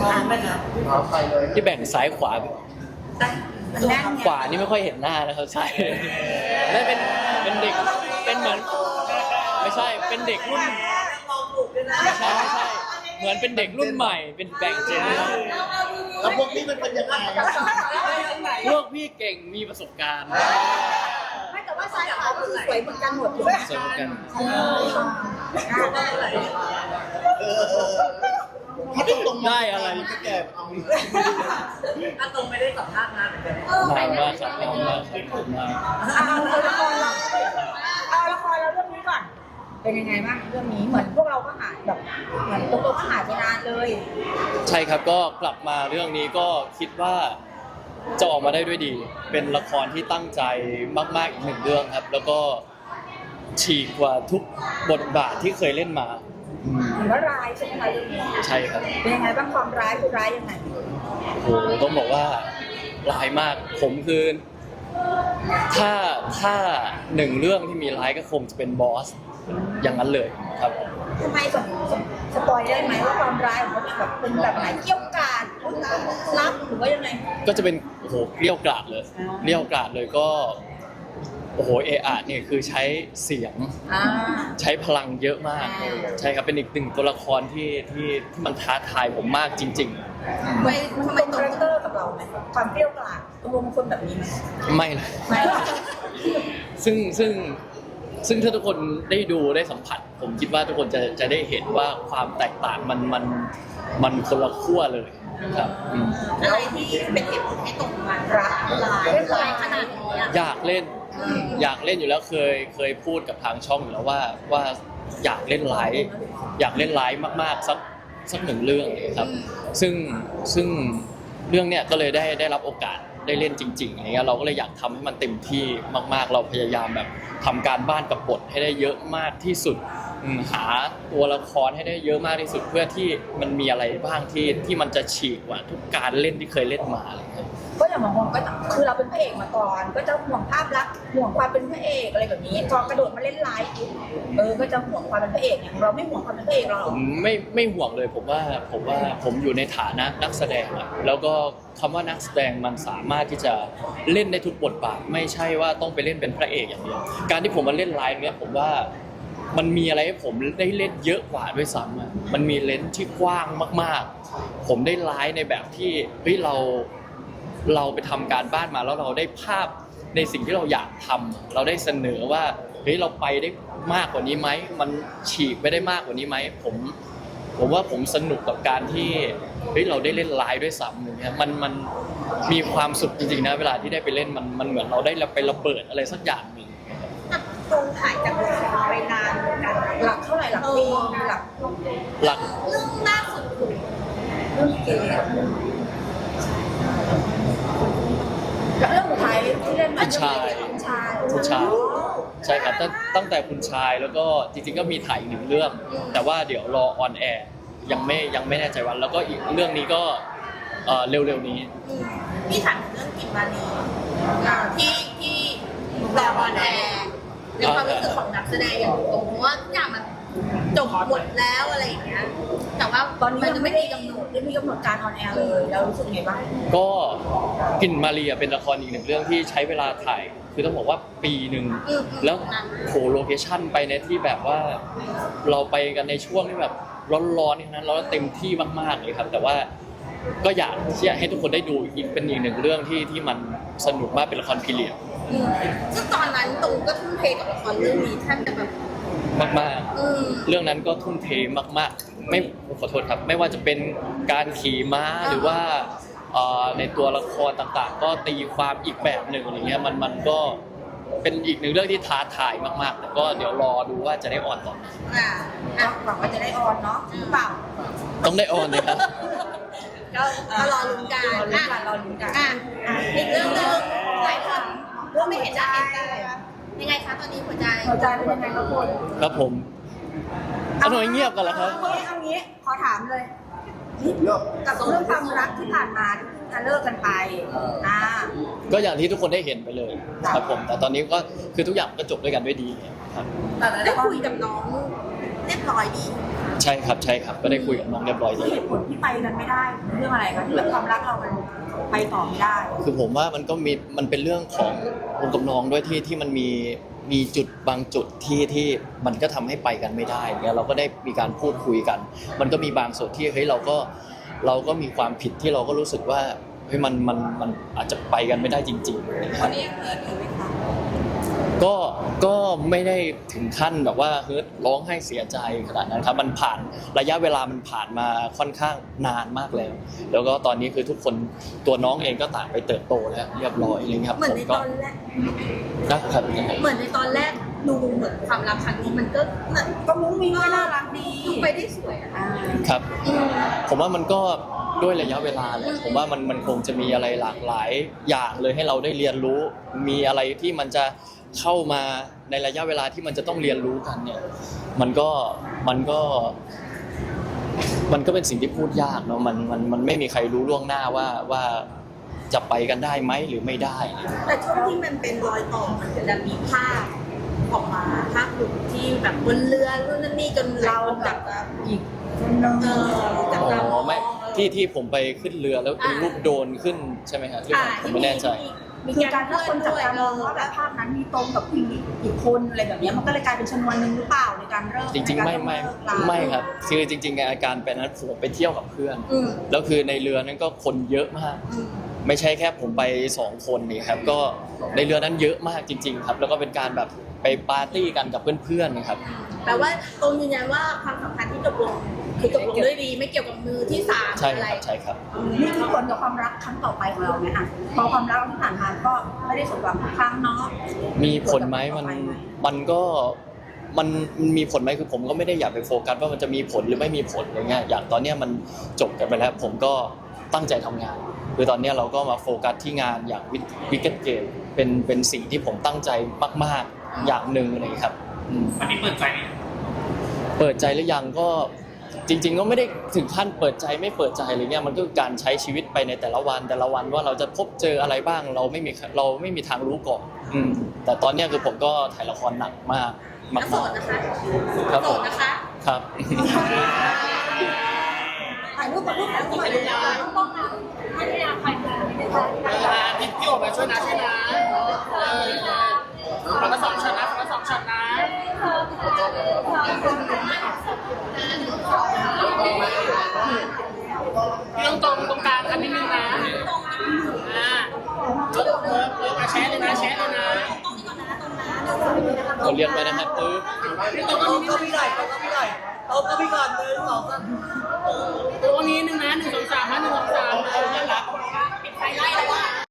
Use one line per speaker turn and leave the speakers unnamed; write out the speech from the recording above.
ทันไหมครับไปเลย
ที่แบ่งซ้ายขวา
มันแน่นไง
ขวานี่ไม่ค่อยเห็นหน้านะครับใช่นั่นเป็นเด็กเป็นเหมือนไม่ใช่เป็นเด็กรุ่นไม่ใช่เหมือนเป็นเด็กรุ่นใหม่เป็นแบ่งเจน
แล้วพวกนี้มันเป็นยังไง
พวกพี่เก่งมีประสบการณ์
ไม่แต่ว่าซ้ายขวาก็คือสวยเหมือนกันหมดเลย
สวยเหมือนกัน
ถ้าตรงๆ
ได้อะไร
มันก็แก่เอา
ถ้าตรงไม่ได้สัมภาษณ์นานเหมือนกัน
นานมากครับนานมากครับนาน
เอาละครเราเรื่องนี้ก่อนเป็นยังไงบ้างเรื่องนี้เหมือนพวกเราก็หายแบบเหมือนตัวก็หายไปนานเลย
ใช่ครับก็กลับมาเรื่องนี้ก็คิดว่าจะออกมาได้ด้วยดี เป็นละครที่ตั้งใจมากๆอีกหนึ่งเรื่องครับ แล้วก็ฉีกกว่าทุกบทบาทที่เคยเล่นมา
เหมือนว่าร้ายใช่ไหมคะเรื่องนี้
ใช่ครับ
เป็นยังไงบ้างความร้ายคือร้ายยังไง
โอ้โหต้องบอกว่าร้ายมากผมคือถ้าหนึ่งเรื่องที่มีร้ายก็คงจะเป็นบอสอย่างนั้นเลยครับ
ทำไมสปอยได้ไหมว่าความร้ายของเขาเนี่ยแบบเป็นแบบไหนเกี่ยวกาดลับหรือว่ายังไง
ก็จะเป็นโอ้โหเกลี้ยวกราดเลยเกลี้ยวกราดเลยก็โอ้โหเออาเนี่ยคือใช้เสียง
อ่า
ใช้พลังเยอะมาก
อ่า
ใช่ครับเป็นอีกหนึ่งตัวละครที่มันท้าทายผมมากจริง
มันตรงคาแรคเตอร์กับเราไหมความเปรี้ยวกราดตรงลงคนแบบนี้ไหม
ๆ ไม่เลย
ไม่
ซึ่งถ้าทุกคนได้ดูได้สัมผัส ผมคิดว่าทุกคนจะได้เห็นว่าความแตกต่างมันคนละขั้วเลยครับ
อะไรที่เป็นเหตุผลให้ตรงมารักลายเล่นลายขนาดนี้อะ
อยากเล่นอยู่แล้วเคยพูดกับทางช่องอยู่แล้วว่าอยากเล่นไลฟ์อยากเล่นไลฟ์มากๆสักหนึ่งเรื่องเลยครับซึ่งเรื่องเนี้ยก็เลยได้รับโอกาสได้เล่นจริงๆอะไรเงี้ยเราก็เลยอยากทำให้มันเต็มที่มากๆ เราพยายามแบบทำการบ้านกับบทให้ได้เยอะมากที่สุดหาตัวละครให้ได้เยอะมากที่สุดเพื่อที่มันมีอะไรบ้างที่มันจะฉีกกว่าทุกการเล่นที่เคยเล่นมาอะไรเงี้ย
ก็อย่างบางคนก็คือเราเป็นพระเอกมาก่อน ก็จะห่วงภาพลักษณ์ห่วงความเป็นพระเอกอะไรแบบนี้พอกระโดดมาเล่นไลฟ์ก็จะห่วงความเป็นพระเอกอย่างเราไม่ห่วงความเป็นพระเอกเราหร
ผ
อก
มไม่ห่วงเลยผมว่าผมอยู่ในฐานะนักแสดงอะแล้วก็คำว่านักแสดงมันสามารถที่จะเล่นได้ทุกบทบาทไม่ใช่ว่าต้องไปเล่นเป็นพระเอกอย่างเดียวการที่ผมมาเล่นไลฟ์เนี้ยผมว่ามันมีอะไรให้ผมได้เล่นเยอะกว่าด้วยซ้ำอะมันมีเลนส์ที่กว้างมากๆ ผมได้ไลฟ์ในแบบที่เฮ้ยเราไปทำการบ้านมาแล้วเราได้ภาพในสิ่งที่เราอยากทำเราได้เสนอว่าเฮ้ยเราไปได้มากกว่านี้ไหมมันฉีกไปได้มากกว่านี้ไหมผมว่าผมสนุกกับการที่เฮ้ยเราได้เล่นไลฟ์ด้วยซ้ำอย่างเงี้ยมันมีความสุขจริงๆนะเวลาที่ได้ไปเล่นมันเหมือนเราได้ไประเบิดอะไรสักอย่างหนึ่ง
ตรงถ่ายจากโรงแรมไปนานเหมือนกันหลักเท่าไหร่หลักปีหลัก
หลัก
เรื่องล่าสุดเรื่องเก๋กับเรื่องสุดท้ายที่เล่นมา
คุณชาย ใช่ครับตั้งแต่คุณชายแล้วก็จริงๆก็มีถ่ายอีกหนึ่งเรื่อง แต่ว่าเดี๋ยวรอออนแอร์ยังไม่แน่ใจวันแล้วก็อีกเรื่องนี้ก็เร็วๆนี้
พี่ถามถึงเรื่องกินมานีที่รอออนแอร์ในความรู้สึกของนักแสดงอย่างตรงเพราะว่าทุกอย่างมันจบหมดแล้วอะไรอย่างเงี้ยแต่ว่าตอนนี้ยังไม่ได้กำหนดไม่มีกำหนดการออนแอร์เลยเรารู้สึกไงบ้าง
ก็กลิ่นมาเรียเป็นละครอีกหนึ่งเรื่องที่ใช้เวลาถ่ายคือต้องบอกว่าปีหนึ่งแล้วโหโลเคชั่นไปในที่แบบว่าเราไปกันในช่วงที่แบบร้อนๆนั้นเราเต็มที่มากๆเลยครับแต่ว่าก็อยากที่จะให้ทุกคนได้ดูอีกเป็นอีกหนึ่งเรื่องที่มันสนุกมากเป็นละครพีเรียด
ซึ่งตอนนั้นตรงก็ทุ่มเทกับละครเรื่องนี้แทบจะแบบ
มากๆเรื่องนั้นก็ทุ่มเทมากๆไม่ขอโทษครับไม่ว่าจะเป็นการขี่ม้าหรือว่าในตัวละครต่างๆ ก็ตีความอีกแบบหนึ่งอะไรเงี้ยมันก็เป็นอีกหนึ่งเรื่องที่ท้าทายมากๆแต่ก็เดี๋ยวรอดูว่าจะได้ออนตอนไหน
หวังว่าจะได้ออนเนาะหรือเปล่า
ต้องได้ออนเลยครับ
ก็รอลุ้นกันรอลุ้นกันอีกเรื่องหนึงหลายคนก็ไม่เห็นจะเห็นกันยังไงคะตอนนี้หัวใจเป็นยังไงครับคุณ
ครับผมเอาหน่อยเงียบกันแล้วครับ
เอางี้ขอถามเลยกับเรื่องความรักที่ผ่านมาที่เพิ่งจะเลิกกันไป
ก็อย่างที่ทุกคนได้เห็นไปเลยครับผมแต่ตอนนี้ก็คือทุกอย่างก็จบด้วยกันด้วยดีครับ
แต่ได้คุยกับน้องเรียบร้อยดี
ใช่ครับใช่ครับก็ได้คุยกับน้องเรียบร้อยดี
เหตุผลที่ไปกันไม่ได้เรื่องอะไรคะที่แบบความรักเรามันไปต่อไม่ได้
คือผมว่ามันเป็นเรื่องของผมกับน้องด้วยที่มันมีจุดบางจุดที่มันก็ทำให้ไปกันไม่ได้เนี่ยเราก็ได้มีการพูดคุยกัน มันก็มีบางส่วนที่เฮ้ยเราก็มีความผิดที่เราก็รู้สึกว่าเฮ้ยมันอาจจะไปกันไม่ได้จริงๆนะครับ
นี่ยังเกิดอยู่ไหมคะ
ก็ไม่ได้ถึงขั้นแบบว่าเฮ้ยร้องไห้เสียใจขนาดนั้นครับมันผ่านระยะเวลามันผ่านมาค่อนข้างนานมากแล้วแล้วก็ตอนนี้คือทุกคนตัวน้องเองก็ต่างไปเติบโตแล้วเรียบร้อยอะไรเงี้ยครับ
เหมือนในตอนแรก
นะครับ
เหมือนในตอนแรกดูเหมือนความรักครั้งนี้มันก็เหมือน
ก็มุ้งมิ้งก็น่ารักดี
ดูไปได้สวยอะ
ครับ ผมว่ามันก็ด้วยระยะเวลาแหละผมว่ามันคงจะมีอะไรหลากหลายอย่างเลยให้เราได้เรียนรู้ มีอะไรที่มันจะเข้ามาในระยะเวลาที่มันจะต้องเรียนรู้กันเนี่ยมันก็เป็นสิ่งที่พูดยากเนาะมันไม่มีใครรู้ล่วงหน้าว่าจะไปกันได้ไหมหรือไม่ได้
แต่ช่วงที่มันเป็นรอยต่อมันจะมีภาพออกมาภาพหลุดที่แบบบนเรือนู่นนั่นนี่จนเราจับอีกจับ
อ๋
ตามอ
อง ไม่ที่ผมไปขึ้นเรือแล้วเป็นรูปโดรนขึ้นใช่ไหมครับผมไม่แน่ใจ
มี
คือ
การ
การถ้าคนจับตามองว่าแบบภาพนั้นมีตรงกับผู้หญิงอีกคนอะไรแบบนี้มันก็เลยกลายเป็นชนวนหนึ่งหรือเปล่าในการเริ่ม
จริงๆไม่ครับคือจริงๆอาการเป็นนั้นผมไปเที่ยวกับเพื่อน
อืม
แล้วคือในเรือนั้นก็คนเยอะมาก ไม่ใช่แค่ผมไป2คนนี่ครับก็ในเรือนั้นเยอะมากจริง ๆ ครับ แล้วก็เป็นการแบบไปปาร์ตี้กันกับเพื่อนๆนะครับ
แปลว่าตรงยืนยันว่าความสัมพันธ์ที่จบลงคือจบลงด้วยดีไม่เกี่ยวกับมือที่สาม
ใช่
อะ
ค
ไร
รับใช่ครับ
นี่คือผลกับความรักครั้งต่อไปของเราไหมคะพอความรักที่ผ่านมาก็ไม่ได้สมหวังทุกครั้งเนาะ
มีผลไหมมันก็มันมีผลไหมคือผมก็ไม่ได้อยากไปโฟกัสว่ามันจะมีผลหรือไม่มีผลอะไรเงี้ยอย่างตอนเนี้ยมันจบกันไปแล้ว ผมก็ตั้งใจทำงาน คือตอนเนี้ยเราก็มาโฟกัสที่งานอย่างวิกเก็ตเกมเป็นสิ่งที่ผมตั้งใจมากๆอย่างหนึ่งอะไรอย่างเลยครับอืม
วันนี้เปิดใจไหม
เปิดใจหรือยังก็จริง ๆ ก็ไม่ได้ถึงขั้นเปิดใจไม่เปิดใจอะไรเงี้ยมันก็คือการใช้ชีวิตไปในแต่ละวันว่าเราจะพบเจออะไรบ้างเราไม่มีทางรู้ก่อนแต่ตอนเนี้ยคือผมก็ถ่ายละครหนักมาก
แล้วโสดนะคะ
ครับ
โส
ผม
ดนะคะ
ครับ
ถ่ายรูปกับรูปแล้วก็มาเลยนะต้องมองนะให้พยายามไปเลยนะคะ
พี่ออกมาช่วยนะคนละ2 ช็อตนะคนละ2 ช็อตนะพี่ต้องตรงกลางกันนิดนึงนะแชร์เลยนะ
เราเรียกไปนะครับ
ตรงก็พี่หน่อยตรงก็พี่ก่อน1 2 3ตรงนี้